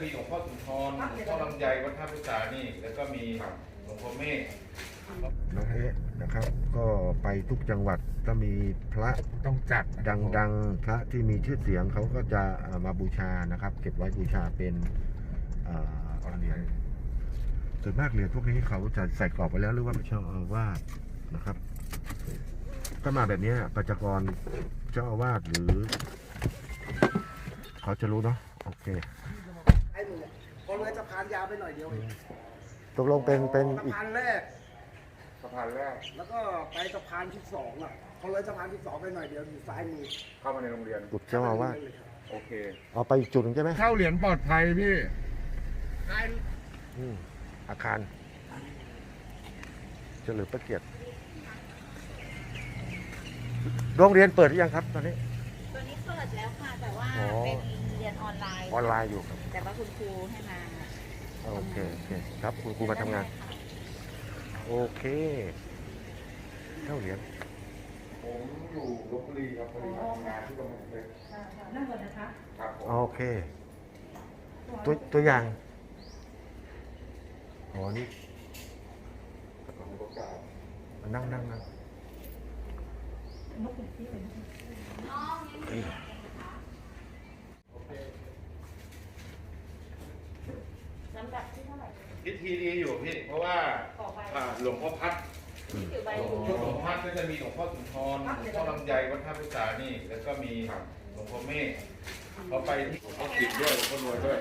มีหลวงพ่อสุนทรหลวงพ่อลำไยวัดท่าพิสานี่แล้วก็มีหลวงพ่อเมฆน้องเอ๊ะนะครับก็ไปทุกจังหวัดก็มีพระต้องจัดดังๆพระที่มีชื่อเสียงเขาก็จะมาบูชานะครับ เก็บไว้บูชาเป็นเหรียญส่วนมากเหรียญพวกนี้เขาจะใส่กรอบไว้แล้วหรือว่าเจ้าอาวาสนะครับถ้ามาแบบนี้ปัจจกรเจ้าอาวาสหรือเขาจะรู้เนาะโอเคไอ้หนูพอเลยสะพานยาวไปหน่อยเดียวเองตกลงเป็นสะอีกพานแรกสะพานแรกแล้วก็ไปสะพานที่สองอ่ะพอเลยสะพานที่สองไปหน่อยเดียวอยู่ซ้ายมือเข้ามาในโรงเรียนกุดเจ้าอาวาสโอเคเอาไปอีกจุดหนึงใช่ไหมเข้าเหรียญปลอดภัยพี่อาคารเฉลิมพระเกียรติโรงเรียนเปิดหรือยังครับตอนนี้ตัวนี้เปิดแล้วค่ะ แต่ว่าอ๋อเป็นเรียนออนไลน์ออนไลน์อยู่ครับแต่ว่าคุณครูให้มาโอเคครับคุณครูมาทำงานโอเคเท่าเหรียญผมอยู่ลพบุรีครับพอดีมาทำงานที่กำแพงเพชรนั่งก่อนนะคะครับผมโอเคตัวอย่างอ๋อนี่ผมประกาศนั่งลำดับที่เท่าไหร่พิธีดีอยู่พี่เพราะว่าหลวงพ่อพัดถือใบหลวงพ่อพัดก็จะมีหลวงพ่อสุนทรหลวงพ่อลำไยวัดท่าพิสานี่แล้วก็มีหลวงพ่อเมฆพอไปที่หลวงพ่อกิจด้วยหลวงพ่อรวยด้วย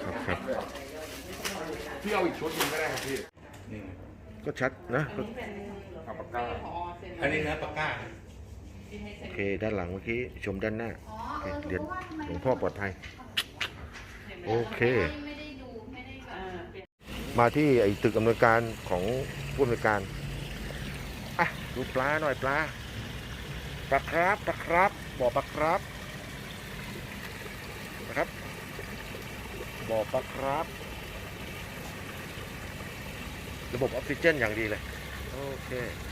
พี่เอาอีกชุดหนึงก็ได้ครับพี่นี่ก็ชัดนะเอาปากกาอันนี้นะปากกาโอเคด้านหลังเมื่อกี้ชมด้านหน้าโอเคเหรียญหลวงพ่อปลอดภัยโอเคไม่ได้ดูไม่ได้แบบมาที่ไอ้ตึกอำนวยการของผู้อำนวยการอ่ะดูปลาหน่อยปลาครับบ่อปลาครับนะครับบ่อปลาครับระบบออกซิเจนอย่างดีเลยโอเค